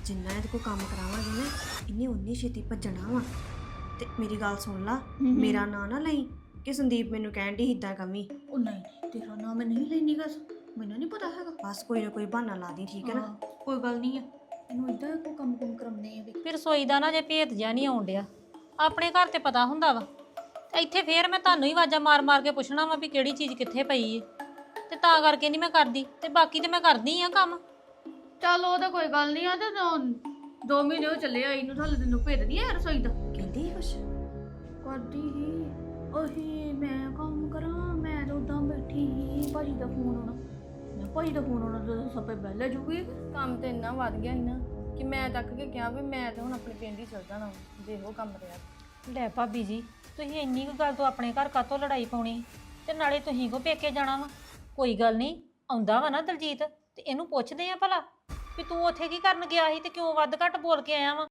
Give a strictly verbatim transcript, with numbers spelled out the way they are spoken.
ਜਿੰਨਾ ਇਹਦੇ ਕੋਲ ਕੰਮ ਕਰਾਵਾਂਗੇ ਨਾ ਇਹਨੇ ਉਨੀ ਛੇਤੀ ਭੱਜਣਾ ਵਾ। ਤੇ ਮੇਰੀ ਗੱਲ ਸੁਣ ਲਾ, ਮੇਰਾ ਨਾਂ ਨਾ ਲਈ ਕਿ ਸੰਦੀਪ ਮੈਨੂੰ ਕਹਿਣ ਦੀ ਇਦਾਂ ਕਮੀ। ਉਹ ਨਹੀਂ ਤੇਰਾ ਨਾਮ ਮੈਂ ਨਹੀਂ ਲੈਣੀ ਗਾ, ਮੈਨੂੰ ਨਹੀਂ ਪਤਾ ਹੈਗਾ। ਬਸ ਕੋਈ ਨਾ ਕੋਈ ਬਹਾਨਾ ਲਾ ਦੀ, ਠੀਕ ਹੈ ਨਾ। ਹਾਂ, ਕੋਈ ਗੱਲ ਨਹੀਂ ਆ, ਇਹਨੂੰ ਇਦਾਂ ਕੋਈ ਕੰਮ ਕੁਮ ਕਰਾਉਂਦੇ ਆ ਵੀ। ਫਿਰ ਰਸੋਈ ਦਾ ਨਾ ਜੇ ਭੇਤ ਜਿਹਾ ਨਹੀਂ ਆਉਣ ਡਿਆ। ਆਪਣੇ ਘਰ ਤੇ ਪਤਾ ਹੁੰਦਾ ਵਾ, ਤੇ ਇੱਥੇ ਫੇਰ ਮੈਂ ਤੁਹਾਨੂੰ ਹੀ ਆਵਾਜ਼ਾਂ ਮਾਰ ਮਾਰ ਕੇ ਪੁੱਛਣਾ ਵਾ ਵੀ ਕਿਹੜੀ ਚੀਜ਼ ਕਿੱਥੇ ਪਈ ਏ, ਤੇ ਤਾਂ ਕਰਕੇ ਨਹੀਂ ਮੈਂ ਕਰਦੀ। ਤੇ ਬਾਕੀ ਤੇ ਮੈਂ ਕਰਦੀ ਆ ਕੰਮ। ਚੱਲ ਉਹ ਤਾਂ ਕੋਈ ਗੱਲ ਨਹੀਂ ਆ। ਤੇ ਦੋ- ਦੋ ਮਹੀਨੇ ਹੋ ਚੱਲੇ ਆਈ ਨੂੰ, ਥੱਲੇ ਤੈਨੂੰ ਭੇਜਦੀ ਆ ਰਸੋਈ ਦਾ। ਕਹਿੰਦੀ ਸੀ ਕੁਛ ਕਰਦੀ ਹੀ ਉਹੀ ਮੈਂ ਕੰਮ ਕਰਾਂ। ਮੈਂ ਤਾਂ ਉਦਾਂ ਬੈਠੀ ਸੀ, ਭਾਜੀ ਦਾ ਫੋਨ ਆਉਣਾ। ਮੈਂ ਭਾਜੀ ਦਾ ਫੋਨ ਆਉਣਾ ਤਾਂ ਸਭੇ ਬਹਿ ਜੂਗੀ। ਕੰਮ ਤੇ ਇੰਨਾ ਵੱਧ ਗਿਆ ਸੀ ਨਾ ਕਿ ਮੈਂ ਤੱਕ ਕੇ ਕਿਹਾ ਵੀ ਮੈਂ ਤਾਂ ਹੁਣ ਆਪਣੇ ਪਿੰਡ ਹੀ ਚਲ ਜਾਣਾ ਜੇ ਉਹ ਕੰਮ ਰਿਹਾ। ਲੈ ਭਾਬੀ ਜੀ, ਤੁਸੀਂ ਇੰਨੀ ਕੁ ਗੱਲ ਤੋਂ ਆਪਣੇ ਘਰ ਕਾਤੋਂ ਲੜਾਈ ਪਾਉਣੀ, ਤੇ ਨਾਲੇ ਤੁਸੀਂ ਕੋ ਪੇਕੇ ਜਾਣਾ ਵਾ। ਕੋਈ ਗੱਲ ਨਹੀਂ, ਆਉਂਦਾ ਵਾ ਨਾ ਦਲਜੀਤ, ਤੇ ਇਹਨੂੰ ਪੁੱਛਦੇ ਆ ਭਲਾ ਵੀ ਤੂੰ ਉੱਥੇ ਕੀ ਕਰਨ ਗਿਆ ਸੀ ਤੇ ਕਿਉਂ ਵੱਧ ਘੱਟ ਬੋਲ ਕੇ ਆਇਆ ਵਾ।